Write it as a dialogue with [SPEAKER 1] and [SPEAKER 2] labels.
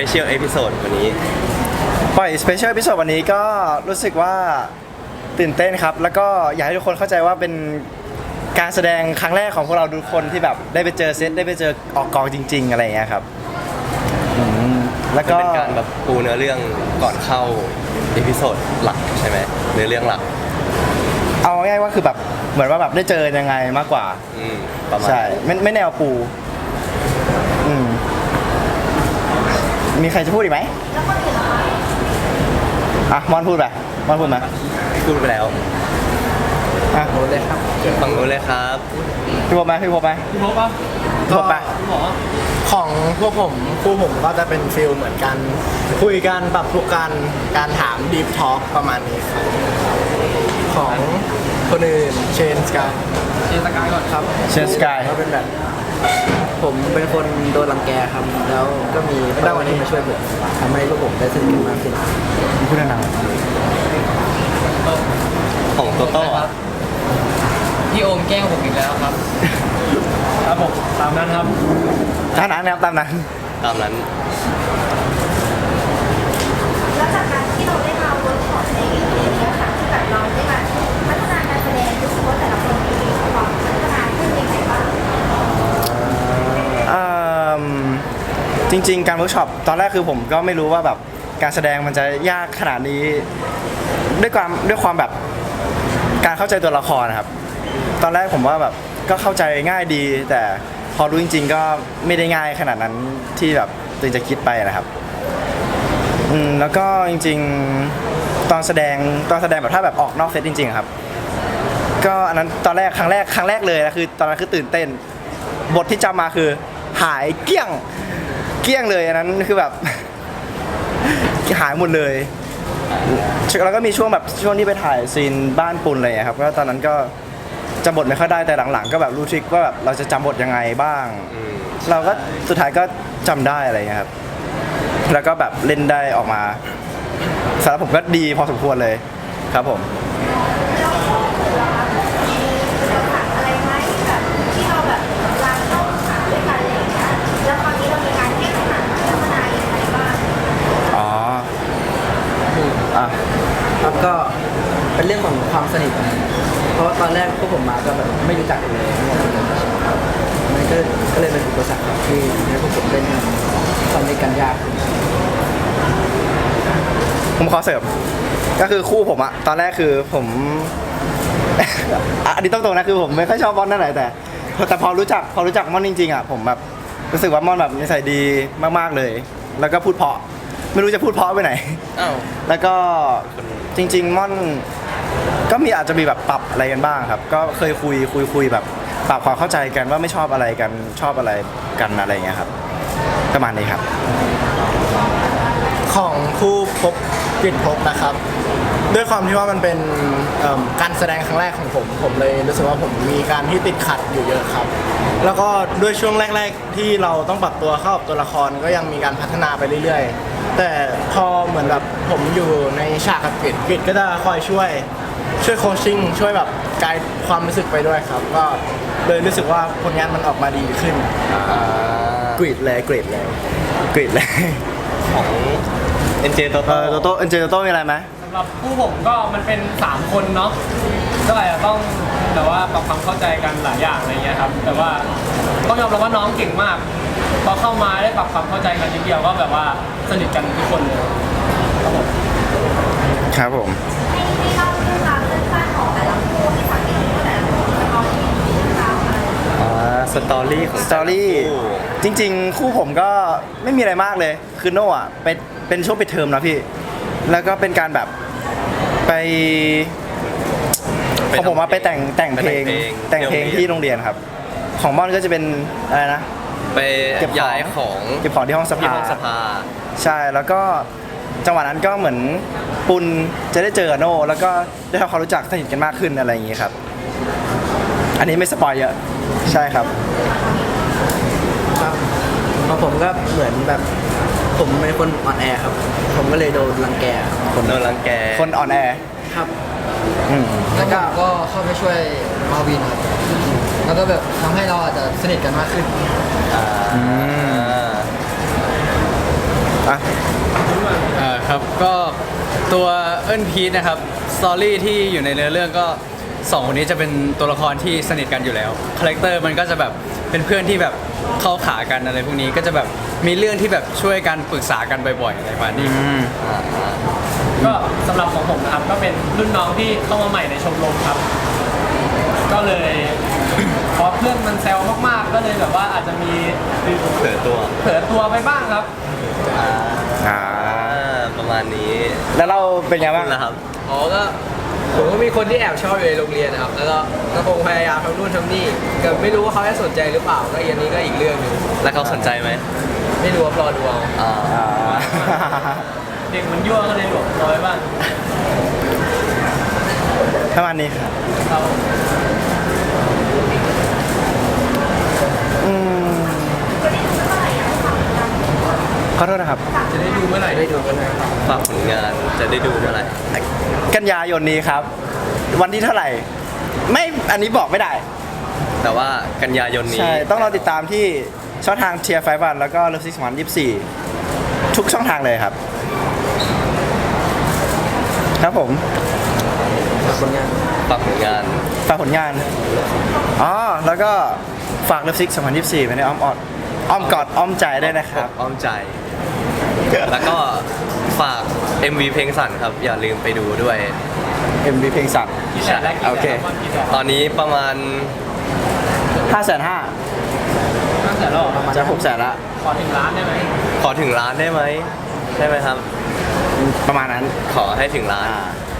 [SPEAKER 1] เชียลเอพิโซดวันนี้
[SPEAKER 2] ปล่อยสเปเชียลพิเศษวันนี้ก็รู้สึกว่าตื่นเต้นครับแล้วก็อยากให้ทุกคนเข้าใจว่าเป็นการแสดงครั้งแรกของพวกเราทุกคนที่แบบได้ไปเจอเซตได้ไปเจอออกกองจริงๆอะไรอย่างเงี้ยครับแล้วก็
[SPEAKER 1] เป็นการแบบปูเนื้อเรื่องก่อนเข้าเอพิโซดหลักใช่ไหมเนื้อเรื่องหลัก
[SPEAKER 2] เอาง่ายๆว่าคือแบบเหมือนว่าแบบได้เจอยังไงมากกว่า
[SPEAKER 1] ประมาณ
[SPEAKER 2] ใช่ไม่แนวปูมีใครจะพูดอีกไหมอ่ะมอนพูดไปมอนพูดมา
[SPEAKER 1] พูดไปแล้ว
[SPEAKER 2] อ่ะ
[SPEAKER 3] โอ้เลยครับ
[SPEAKER 1] ฟังนู้นเลยครับ
[SPEAKER 2] พี่พบไหมพี่พบไหม
[SPEAKER 3] พี่พบป่ะ
[SPEAKER 2] พี่พบไป
[SPEAKER 3] ของพวกผมคู่ผมก็จะเป็นฟิลเหมือนกันคุยกันปรับทุกการถามดีฟทอล์กประมาณนี้ครับของคนอื่นเชนสกายก่อนครับ
[SPEAKER 2] เชนสกาย
[SPEAKER 3] ก็เป็นแบบผมเป็นคนโดนรังแกครับแล้วก็มีได้วันนี้มาช่วยผมทำให้พวกผมได้สนิทกันมากขึ้น
[SPEAKER 2] พูดนาน
[SPEAKER 1] ของโตโต้
[SPEAKER 3] พี่โอมแกล้งผมอีกแล้วครับครับผมตามนั้นครับ
[SPEAKER 2] ตามนั้น
[SPEAKER 1] ตามนั้น
[SPEAKER 4] แล้วจากการที่เราได้มาเวิร์กช็อปในเรื่องนี้ค่ะที่แบบเราได้มาพัฒนาการแสดงรู้สึกว่าแต่ละคนมีความพัฒนาขึ้นยังไงบ้าง
[SPEAKER 2] จริงๆการเวิร์กช็อปตอนแรกคือผมก็ไม่รู้ว่าแบบการแสดงมันจะยากขนาดนี้ด้วยความแบบการเข้าใจตัวละครนะครับตอนแรกผมว่าแบบก็เข้าใจง่ายดีแต่พอรู้จริงๆก็ไม่ได้ง่ายขนาดนั้นที่แบบตัวเองจะคิดไปนะครับแล้วก็จริงๆตอนแสดงแบบถ้าแบบออกนอกเซตจริงๆครับก็อันนั้นตอนแรกครั้งแรกเลยนะคือตอนนั้นคือตื่นเต้นบทที่จำมาคือหายเกลี้ยงเลยอันนั้นคือแบบหายหมดเลยแล้วก็มีช่วงที่ไปถ่ายซีนบ้านปุนอะไรครับก็ตอนนั้นก็จำบทไม่ค่อยได้แต่หลังๆก็แบบรู้ทริคว่าแบบเราจะจำบทยังไงบ้างเราก็สุดท้ายก็จำได้อะไรเงี้ยครับแล้วก็แบบเล่นได้ออกมาสำหรับผมก็ดีพอสมควรเลยครับผม
[SPEAKER 4] อะไรไหมแบบที่เราแบบลางเข้าหาด้วยกันอะไรอย่างเงี้ยแล้วคราวนี้เรามีการแก้ปัญหาพัฒนาอย่างไรบ้าง
[SPEAKER 3] ครับก็เป็นเรื่องของความสนิทเพราะตอนแรกพวกผมมาก็แบบไม่รู้จักกันเลยมันก็เลยเป็นอุปสรรคที่ให้พวกผมเล่นทำในกันยาก
[SPEAKER 2] ผมขอเสริมก็คือคู่ผมอะตอนแรกคือผมอันนี้ต้องตรงนะคือผมไม่ค่อยชอบมอนนั่นแหละแต่พอรู้จักมอนจริงๆอะผมแบบรู้สึกว่ามอนแบบนิสัยดีมากๆเลยแล้วก็พูดเพราะไม่รู้จะพูดเพราะไปไหนแล้วก็จริงๆม่อนก็อาจจะมีแบบปรับอะไรกันบ้างครับก็เคยคุยแบบปรับความเข้าใจกันว่าไม่ชอบอะไรกันชอบอะไรกันอะไรอย่างเงี้ยครับประมาณนี้ครับ
[SPEAKER 3] ของคู่พบกลิ่นพบนะครับด้วยความที่ว่ามันเป็นการแสดงครั้งแรกของผมเลยรู้สึกว่าผมมีการที่ติดขัดอยู่เยอะครับแล้วก็ด้วยช่วงแรกๆที่เราต้องปรับตัวเข้ากับตัวละครก็ยังมีการพัฒนาไปเรื่อยๆแต่พอเหมือนแบบผมอยู่ในฉากกับกริดก็จะคอยช่วยโคชชิ่งช่วยแบบไกด์ความรู้สึกไปด้วยครับก็เลยรู้สึกว่าผลงานมันออกมาดีขึ้น
[SPEAKER 2] กรีดเลย
[SPEAKER 1] ของเอ็นเจโตโ
[SPEAKER 2] ต้มีอะไรไหม
[SPEAKER 5] สำหรับผู้ผมก็มันเป็น3คนเนาะก็อาจจะต้องแต่ว่าปรับความเข้าใจกันหลายอย่างอะไรเงี้ยครับแต่ว่าต้องยอมรับว่าน้องเก่งมากพอเข้ามาได้ปรับความเข้าใจกันนิดเดียวก็แบบว่าสนิทกันทุกคนเลย
[SPEAKER 2] ครับผม
[SPEAKER 4] ให้เล่าเรื่องราวสั้นๆของแต่ละคู่ที่สังเกตว่าแต่ละคู่จะมีเรื่องราวอะไร
[SPEAKER 1] สตอรี่
[SPEAKER 2] จริงๆคู่ผมก็ไม่มีอะไรมากเลยคือโน่อะเป็นช่วงปิดเทอมนะพี่แล้วก็เป็นการแบบไปของผมมาไปแต่งเพลงที่โรงเรียนครับของม่อนก็จะเป็นอะไรนะ
[SPEAKER 1] ไปย้ายของ
[SPEAKER 2] เก็บของที่ห้องสภาใช่แล้วก็จังหวะนั้นก็เหมือนปุณจะได้เจอโน่แล้วก็ได้ทำความรู้จักสนิทกันมากขึ้นอะไรอย่างงี้ครับอันนี้ไม่สปอยเยอะใช่ครับ
[SPEAKER 3] ของผมก็เหมือนแบบผมเป็นคนอ่อนแอครับผมก็เลยโดนรังแก
[SPEAKER 1] คน
[SPEAKER 2] อ่อนแอ
[SPEAKER 3] ครับแล้วก็เข้าไปช่วยมาวินครับแล้วก็แบบทำให้เราอาจจะสนิทกันมากขึ้น
[SPEAKER 2] อ่ะ
[SPEAKER 6] ครับก็ตัวเอิ้นพีทนะครับสตอรี่ที่อยู่ในเนื้อเรื่องก็สองคนนี้จะเป็นตัวละครที่สนิทกันอยู่แล้วคาแรคเตอร์มันก็จะแบบเป็นเพื่อนที่แบบเข้าขากันอะไรพวกนี้ก็จะแบบมีเรื่องที่แบบช่วยกันปรึกษากันบ่อยๆอะไรประมาณนี้
[SPEAKER 5] ก็สำหรับของผมนะครับก็เป็นรุ่นน้องที่เข้ามาใหม่ในชมรมครับ ก็เลยพอเพื่อนมันแซวมากๆ ก็เลยแบบว่าอาจจะมี
[SPEAKER 1] เผลอตัว
[SPEAKER 5] เผลอตัวไปบ้างครับ
[SPEAKER 2] อ่า
[SPEAKER 1] ประมาณนี้
[SPEAKER 2] แล้วเราเป็นไงบ้าง
[SPEAKER 1] นะครับ
[SPEAKER 7] อ๋อก็ผมก็มีคนที่แอบชอบอยู่ในโรงเรียนนะครับ แล้วก็คงพยายามทำนู่นทำนี่แต่ไม่รู้ว่าเขาจะสนใจหรือเปล่าก็อันนี้ก็อีกเรื่องหนึง
[SPEAKER 1] แล้วเขาสนใจไหม
[SPEAKER 7] ไม่รู้ว่ารอดูเอา
[SPEAKER 1] อ่า
[SPEAKER 5] เด็กมันยั่วก็เลยหลบร้อยบ้าง
[SPEAKER 2] ประมาณนี้ครับ
[SPEAKER 5] ครับ
[SPEAKER 2] อืมขอโทษนะครับ
[SPEAKER 7] จะได้ดูเมื่อไหร่ได้ดูกันนะ
[SPEAKER 1] ฝากผลงานจะได้ดูเมื่อไหร่
[SPEAKER 2] กันยายนนี้ครับ วันที่เท่าไหร่ ไม่อันนี้บอกไม่ได้
[SPEAKER 1] แต่ว่ากันยายนนี้
[SPEAKER 2] ใช่ ต้องรอติดตามที่ช่องทางเทียร์ไฟวันแล้วก็เลิฟซิกส์24ทุกช่องทางเลยครับ ครับผม
[SPEAKER 7] ผลงาน
[SPEAKER 1] ฝากผลงาน
[SPEAKER 2] ฝากผลงาน อ๋อ แล้วก็ฝากเลิฟซิก2024ไว้ในอ้อมอ้อมกอดอ้อมใจได้วยนะครับ
[SPEAKER 1] อ้อมใจ แล้วก็ฝาก MV เพลงสั่นครับ อย่าลืมไปดูด้วย
[SPEAKER 2] MV เพลงสัตว์
[SPEAKER 5] กี่แสนแล้วกี่
[SPEAKER 2] โอ
[SPEAKER 5] แส
[SPEAKER 2] เค
[SPEAKER 5] นว่ากี่แสน
[SPEAKER 1] ตอนนี้ประมาณ
[SPEAKER 2] 5,500,000
[SPEAKER 5] 5แสนแล้วเหรอ
[SPEAKER 2] จะ600,000ละ
[SPEAKER 5] ขอถึงล้านได้ไหม
[SPEAKER 1] ขอถึงล้านได้ไหมได้ไหมครับ
[SPEAKER 2] ประมาณนั้น
[SPEAKER 1] ขอให้ถึงล้าน
[SPEAKER 2] อ่า